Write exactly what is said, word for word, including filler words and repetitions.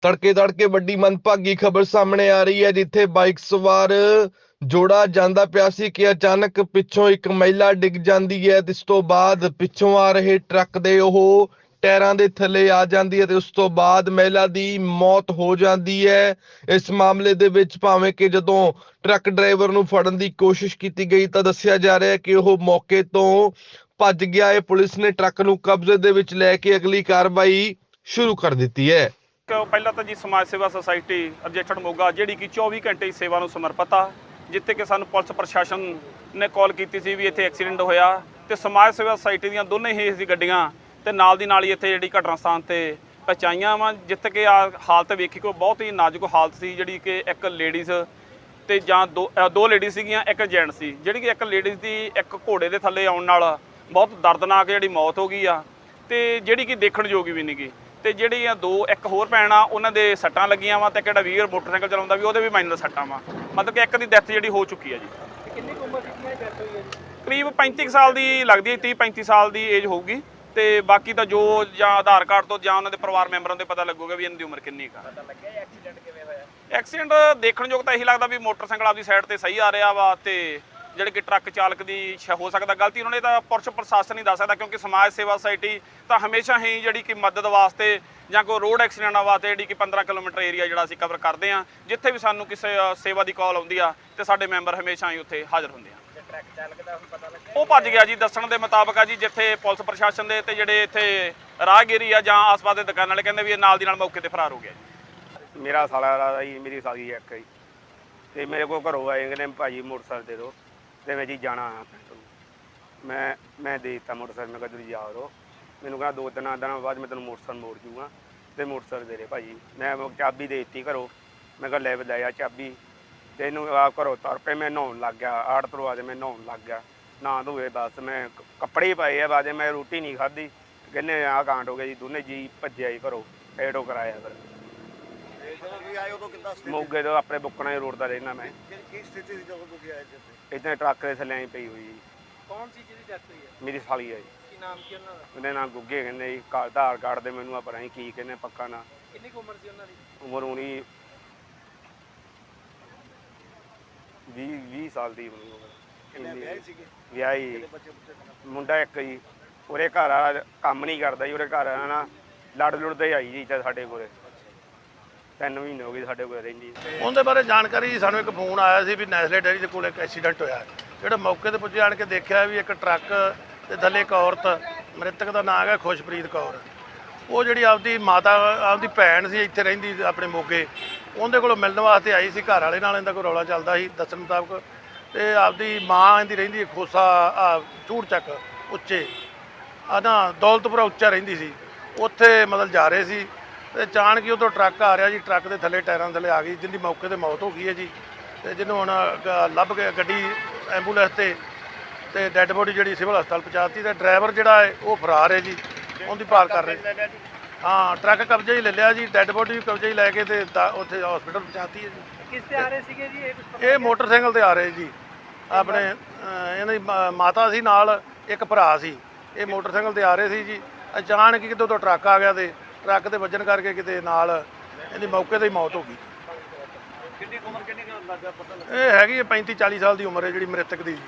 ਤੜਕੇ ਤੜਕੇ ਵੱਡੀ ਮੰਦਭਾਗੀ ਖਬਰ ਸਾਹਮਣੇ ਆ ਰਹੀ ਹੈ, ਜਿੱਥੇ ਬਾਈਕ ਸਵਾਰ ਜੋੜਾ ਜਾਂਦਾ ਪਿਆ ਸੀ ਕਿ ਅਚਾਨਕ ਪਿੱਛੋਂ ਇੱਕ ਮਹਿਲਾ ਡਿੱਗ ਜਾਂਦੀ ਹੈ ਤੇ ਇਸ ਤੋਂ ਬਾਅਦ ਪਿੱਛੋਂ ਆ ਰਹੇ ਟਰੱਕ ਦੇ ਉਹ ਟਾਇਰਾਂ ਦੇ ਥੱਲੇ ਆ ਜਾਂਦੀ ਹੈ ਤੇ ਉਸ ਤੋਂ ਬਾਅਦ ਮਹਿਲਾ ਦੀ ਮੌਤ ਹੋ ਜਾਂਦੀ ਹੈ। ਇਸ ਮਾਮਲੇ ਦੇ ਵਿੱਚ ਭਾਵੇਂ ਕਿ ਜਦੋਂ ਟਰੱਕ ਡਰਾਈਵਰ ਨੂੰ ਫੜਨ ਦੀ ਕੋਸ਼ਿਸ਼ ਕੀਤੀ ਗਈ ਤਾਂ ਦੱਸਿਆ ਜਾ ਰਿਹਾ ਹੈ ਕਿ ਉਹ ਮੌਕੇ ਤੋਂ ਭੱਜ ਗਿਆ ਹੈ। ਪੁਲਿਸ ਨੇ ਟਰੱਕ ਨੂੰ ਕਬਜ਼ੇ ਦੇ ਵਿੱਚ ਲੈ ਕੇ ਅਗਲੀ ਕਾਰਵਾਈ ਸ਼ੁਰੂ ਕਰ ਦਿੱਤੀ ਹੈ। ਪਹਿਲਾਂ ਤਾਂ ਜੀ ਸਮਾਜ ਸੇਵਾ ਸੁਸਾਇਟੀ ਰਜਿਸਟਰਡ ਮੋਗਾ ਜਿਹੜੀ ਕਿ ਚੌਵੀ ਘੰਟੇ ਦੀ ਸੇਵਾ ਨੂੰ ਸਮਰਪਿਤ ਆ, ਜਿੱਥੇ ਕਿ ਸਾਨੂੰ ਪੁਲਿਸ ਪ੍ਰਸ਼ਾਸਨ ਨੇ ਕਾਲ ਕੀਤੀ ਸੀ ਵੀ ਇੱਥੇ ਐਕਸੀਡੈਂਟ ਹੋਇਆ ਤੇ ਸਮਾਜ ਸੇਵਾ ਸੁਸਾਇਟੀ ਦੀਆਂ ਦੋਨੇ ਹੀ ਸੀ ਗੱਡੀਆਂ ਤੇ ਨਾਲ ਦੀ ਨਾਲ ਹੀ ਇੱਥੇ ਜਿਹੜੀ ਘਟਨਾ ਸਥਾਨ ਤੇ ਪਹੁੰਚਾਈਆਂ ਵਾ, ਜਿੱਥੇ ਕਿ ਆ ਹਾਲਤ ਵੇਖੀ ਕੋ ਬਹੁਤ ਹੀ ਨਾਜ਼ੁਕ ਹਾਲਤ ਸੀ, ਜਿਹੜੀ ਕਿ ਇੱਕ ਲੇਡੀਜ਼ ਤੇ ਜਾਂ ਦੋ ਦੋ ਲੇਡੀਜ਼ ਸੀਗੀਆਂ, ਇੱਕ ਜੈਂਟ ਸੀ। ਜਿਹੜੀ ਕਿ ਇੱਕ ਲੇਡੀਜ਼ ਦੀ ਇੱਕ ਘੋੜੇ ਦੇ ਥੱਲੇ ਆਉਣ ਨਾਲ ਬਹੁਤ ਦਰਦਨਾਕ ਜਿਹੜੀ ਮੌਤ ਹੋ ਗਈ ਆ ਤੇ ਜਿਹੜੀ ਕਿ ਦੇਖਣ ਯੋਗ ਵੀ ਨਹੀਂ ਗੀ। ਤੇ ਜਿਹੜੀਆਂ ਦੋ ਇੱਕ ਹੋਰ ਭੈਣ ਆ ਉਹਨਾਂ ਦੇ ਸੱਟਾਂ ਲੱਗੀਆਂ ਵਾ ਤੇ ਕਿਹੜਾ ਵੀਰ ਮੋਟਰਸਾਈਕਲ ਚਲਾਉਂਦਾ ਵੀ ਉਹਦੇ ਵੀ ਮਾਈਨਰ ਸੱਟਾਂ ਵਾ, ਮਤਲਬ ਕਿ ਇੱਕ ਦੀ ਡੈਥ ਜਿਹੜੀ ਹੋ ਚੁੱਕੀ ਆ ਜੀ। ਕਿੰਨੀ ਉਮਰ ਦੀ ਡੈਥ ਹੋਈ ਹੈ ਜੀ? ਕਰੀਬ ਪੈਂਤੀ ਸਾਲ ਦੀ ਲੱਗਦੀ ਹੈ, ਤੀਹ ਪੈਂਤੀ ਸਾਲ ਦੀ ਏਜ ਹੋਊਗੀ ਤੇ ਬਾਕੀ ਤਾਂ ਜੋ ਜਾਂ ਆਧਾਰ ਕਾਰਡ ਤੋਂ ਜਾਂ ਉਹਨਾਂ ਦੇ ਪਰਿਵਾਰ ਮੈਂਬਰਾਂ ਤੋਂ ਪਤਾ ਲੱਗੂਗਾ ਵੀ ਇਹਨਾਂ ਦੀ ਉਮਰ ਕਿੰਨੀ ਕੁ ਆ। ਪਤਾ ਲੱਗਿਆ ਐਕਸੀਡੈਂਟ ਕਿਵੇਂ ਹੋਇਆ? ਐਕਸੀਡੈਂਟ ਦੇਖਣ ਯੋਗ ਤਾਂ ਇਹੀ ਲੱਗਦਾ ਵੀ ਮੋਟਰਸਾਈਕਲ ਆਪਦੀ ਸਾਈਡ ਤੇ ਸਹੀ ਆ ਰਿਹਾ ਵਾ ਤੇ ਜਿਹੜੇ ਕਿ ਟਰੱਕ ਚਾਲਕ ਦੀ ਹੋ ਸਕਦਾ ਗਲਤੀ ਉਹਨਾਂ ਨੇ ਤਾਂ ਪੁਲਿਸ ਪ੍ਰਸ਼ਾਸਨ ਹੀ ਦੱਸ ਸਕਦਾ, ਕਿਉਂਕਿ ਸਮਾਜ ਸੇਵਾ ਸੁਸਾਇਟੀ ਤਾਂ ਹਮੇਸ਼ਾ ਹੀ ਜਿਹੜੀ ਕਿ ਮਦਦ ਵਾਸਤੇ ਜਾਂ ਕੋਈ ਰੋਡ ਐਕਸੀਡੈਂਟਾਂ ਵਾਸਤੇ ਜਿਹੜੀ ਕਿ ਪੰਦਰਾਂ ਕਿਲੋਮੀਟਰ ਏਰੀਆ ਜਿਹੜਾ ਅਸੀਂ ਕਵਰ ਕਰਦੇ ਹਾਂ, ਜਿੱਥੇ ਵੀ ਸਾਨੂੰ ਕਿਸੇ ਸੇਵਾ ਦੀ ਕਾਲ ਆਉਂਦੀ ਆ ਤੇ ਸਾਡੇ ਮੈਂਬਰ ਹਮੇਸ਼ਾ ਹੀ ਉੱਥੇ ਹਾਜ਼ਰ ਹੁੰਦੇ ਆ। ਟਰੱਕ ਚਾਲਕ ਦਾ ਹੁਣ ਪਤਾ ਲੱਗਿਆ? ਉਹ ਭੱਜ ਗਿਆ ਜੀ, ਦੱਸਣ ਦੇ ਮੁਤਾਬਕ ਆ ਜੀ, ਜਿੱਥੇ ਪੁਲਿਸ ਪ੍ਰਸ਼ਾਸਨ ਦੇ ਤੇ ਜਿਹੜੇ ਇੱਥੇ ਰਾਹਗੀਰੀ ਆ ਜਾਂ ਆਸ-ਪਾਸ ਦੇ ਦੁਕਾਨ ਵਾਲੇ ਕਹਿੰਦੇ ਵੀ ਇਹ ਨਾਲ ਦੀ ਨਾਲ ਮੌਕੇ ਤੇ ਫਰਾਰ ਹੋ ਗਿਆ ਜੀ। ਮੇਰਾ ਸਾਲਾ ਜੀ, ਮੇਰੀ ਸਾਲੀ ਇੱਕ ਜੀ ਤੇ ਮੇਰੇ ਕੋਲ ਘਰੋਂ ਆਏ ਕਹਿੰਦੇ ਭਾਜੀ ਮੋਟਰਸਾਈਕਲ ਦੇ ਦਿਓ ਤੇ ਮੈਂ ਜੀ ਜਾਣਾ ਆ ਪਿੰਡ ਨੂੰ। ਮੈਂ ਮੈਂ ਦੇ ਦਿੱਤਾ ਮੋਟਰਸਾਈਕਲ, ਮੈਂ ਕਿਹਾ ਤੁਸੀਂ ਜਾ ਰਹੋ। ਮੈਨੂੰ ਕਹਿੰਦਾ ਦੋ ਤਿੰਨ ਦਿਨਾਂ ਬਾਅਦ ਮੈਂ ਤੈਨੂੰ ਮੋਟਰਸਾਈਕਲ ਮੋੜ ਜੂਗਾ ਤੇ ਮੋਟਰਸਾਈਕਲ ਦੇ ਦੇ ਭਾਜੀ। ਮੈਂ ਚਾਬੀ ਦੇ ਦਿੱਤੀ ਘਰੋਂ, ਮੈਂ ਕਿਹਾ ਲੈ ਲੈ ਆ ਚਾਬੀ ਤੇ ਇਹਨੂੰ ਆ ਘਰੋਂ ਤੁਰ ਪਏ। ਮੈਂ ਨਹਾਉਣ ਲੱਗ ਗਿਆ, ਆੜ ਤੋਂ ਆ ਕੇ ਮੈਂ ਨਹਾਉਣ ਲੱਗ ਗਿਆ, ਨਹਾ ਧੋਏ ਬਸ ਮੈਂ ਕੱਪੜੇ ਪਾਏ ਆ ਬਾਜੇ, ਮੈਂ ਰੋਟੀ ਨਹੀਂ ਖਾਧੀ। ਕਹਿੰਦੇ ਆਹ ਕਾਂਡ ਹੋ ਗਿਆ ਜੀ, ਦੋਨੇ ਜੀ ਭੱਜਿਆ ਜੀ ਘਰੋਂ, ਐਡੋ ਕਰਾਇਆ ਫਿਰ। ਮੋਗੇ ਤੋਂ ਆਪਣੇ ਬੁੱਕਣਾ ਰੋਡ ਦਾ ਰਹਿਣਾ ਮੈਂ। ਕੀ ਸਥਿਤੀ ਸੀ ਜਦੋਂ ਤੁਸੀਂ ਆਏ ਸੀ? ਇੱਥੇ ਟਰੱਕ ਦੇ ਥੱਲੇ ਆਈ ਪਈ ਹੋਈ ਜੀ। ਕੌਣ ਸੀ ਜਿਹਦੀ ਡੈਥ ਹੋਈ ਹੈ? ਮੇਰੀ ਸਾਲੀ ਹੈ ਜੀ। ਕੀ ਨਾਮ ਕੀ ਉਹਨਾਂ ਦਾ? ਉਹਦੇ ਨਾਲ ਗੁੱਗੇ ਕਹਿੰਦੇ ਜੀ, ਕਾਰ ਆਧਾਰ ਕਾਰਡ ਦੇ ਮੈਨੂੰ ਆ ਪਤਾ ਨਹੀਂ ਕੀ ਕਹਿੰਦੇ ਪੱਕਾ ਨਾ। ਕਿੰਨੀ ਕੁ ਉਮਰ ਸੀ ਉਹਨਾਂ ਦੀ? ਉਮਰ ਹੋਣੀ ਵੀਹ ਵੀਹ ਸਾਲ ਦੀ ਹੋਣੀ ਉਮਰ। ਵਿਆਹੇ ਸੀਗੇ? ਵਿਆਹੀ ਬੱਚੇ ਬੱਚੇ ਮੁੰਡਾ ਇੱਕ ਜੀ, ਉਹਦੇ ਘਰ ਵਾਲਾ ਕੰਮ ਨਹੀਂ ਕਰਦਾ ਜੀ, ਉਹਦੇ ਘਰ ਵਾਲਾ ਨਾ ਲੜ ਲੁੜਦੇ ਆਈ ਜੀ ਇੱਥੇ ਸਾਡੇ ਕੋਲੇ, ਤਿੰਨ ਮਹੀਨੇ ਹੋ ਗਏ ਸਾਡੇ ਕੋਲ ਰਹਿੰਦੀ। ਉਹਦੇ ਬਾਰੇ ਜਾਣਕਾਰੀ ਸਾਨੂੰ ਇੱਕ ਫੋਨ ਆਇਆ ਸੀ ਵੀ ਨੈਸਲੇ ਡੇਅਰੀ ਦੇ ਕੋਲ ਇੱਕ ਐਕਸੀਡੈਂਟ ਹੋਇਆ। ਜਿਹੜਾ ਮੌਕੇ ਤੇ ਪੁੱਜੇ ਆਣ ਕੇ ਦੇਖਿਆ ਵੀ ਇੱਕ ਟਰੱਕ ਤੇ ਥੱਲੇ ਇੱਕ ਔਰਤ, ਮ੍ਰਿਤਕ ਦਾ ਨਾਮ ਹੈ ਖੁਸ਼ਪ੍ਰੀਤ ਕੌਰ, ਉਹ ਜਿਹੜੀ ਆਪਦੀ ਮਾਤਾ ਆਪਦੀ ਭੈਣ ਸੀ ਇੱਥੇ ਰਹਿੰਦੀ ਆਪਣੇ ਮੋਗੇ, ਉਹਦੇ ਕੋਲੋਂ ਮਿਲਣ ਵਾਸਤੇ ਆਈ ਸੀ। ਘਰ ਵਾਲੇ ਨਾਲ ਇਹਦਾ ਕੋਈ ਰੌਲਾ ਚੱਲਦਾ ਸੀ ਦੱਸਣ ਮੁਤਾਬਕ, ਤੇ ਆਪਦੀ ਮਾਂ ਇਹਦੀ ਰਹਿੰਦੀ ਖੋਸਾ ਆ ਚੂੜ ਚੱਕ ਉੱਚੇ ਆ ਨਾ ਦੌਲਤਪੁਰਾ ਉੱਚਾ ਰਹਿੰਦੀ ਸੀ, ਉੱਥੇ ਮਤਲਬ ਜਾ ਰਹੇ ਸੀ ਤੇ ਅਚਾਨਕ ਹੀ ਉਦੋਂ ਟਰੱਕ ਆ ਰਿਹਾ ਜੀ, ਟਰੱਕ ਦੇ ਥੱਲੇ ਟਾਇਰਾਂ ਥੱਲੇ ਆ ਗਈ, ਜਿਹਦੀ ਮੌਕੇ ਤੇ ਮੌਤ ਹੋ ਗਈ ਹੈ ਜੀ। ਤੇ ਜਿਹਨੂੰ ਹੁਣ ਲੱਭ ਕੇ ਗੱਡੀ ਐਂਬੂਲੈਂਸ ਤੇ ਤੇ ਡੈੱਡ ਬੋਡੀ ਜਿਹੜੀ ਸਿਵਲ ਹਸਪਤਾਲ ਪਹੁੰਚਾਤੀ ਤੇ ਡਰਾਈਵਰ ਜਿਹੜਾ ਹੈ ਉਹ ਫਰਾਰ ਹੈ ਜੀ, ਉਹਦੀ ਭਾਲ ਕਰ ਰਹੇ। ਹਾਂ, ਟਰੱਕ ਕਬਜ਼ੇ ਹੀ ਲੈ ਲਿਆ ਜੀ, ਡੈੱਡ ਬੋਡੀ ਵੀ ਕਬਜ਼ੇ ਹੀ ਲੈ ਕੇ ਤੇ ਉੱਥੇ ਹਸਪੀਟਲ ਪਹੁੰਚਾਤੀ ਹੈ ਜੀ। ਕਿਸ ਤੇ ਆ ਰਹੇ ਸੀਗੇ ਜੀ ਇਹ? ਕੁਝ ਇਹ ਮੋਟਰਸਾਈਕਲ ਤੇ ਆ ਰਹੇ ਜੀ, ਆਪਣੇ ਇਹਨਾਂ ਦੀ ਮਾਤਾ ਸੀ ਨਾਲ ਇੱਕ ਭਰਾ ਸੀ, ਇਹ ਮੋਟਰਸਾਈਕਲ ਤੇ ਆ ਰਹੇ ਸੀ ਜੀ। ਅਚਾਨਕ ਹੀ ਕਿਤੋਂ ਤੋਂ ਟਰੱਕ ਆ ਗਿਆ ਤੇ ਟਰੱਕ ਦੇ ਵੱਜਣ ਕਰਕੇ ਕਿਤੇ ਨਾਲ ਇਹਦੀ ਮੌਕੇ ਤੇ ਹੀ ਮੌਤ ਹੋ ਗਈ। ਕਿੰਨੀ ਉਮਰ ਕਿੰਨੀ ਕੁ ਲੱਗਾ ਪਤਾ ਲੱਗਾ? ਇਹ ਹੈਗੀ ਹੈ ਪੈਂਤੀ ਚਾਲੀ ਸਾਲ ਦੀ ਉਮਰ ਹੈ ਜਿਹੜੀ ਮ੍ਰਿਤਕ ਦੀ ਜੀ।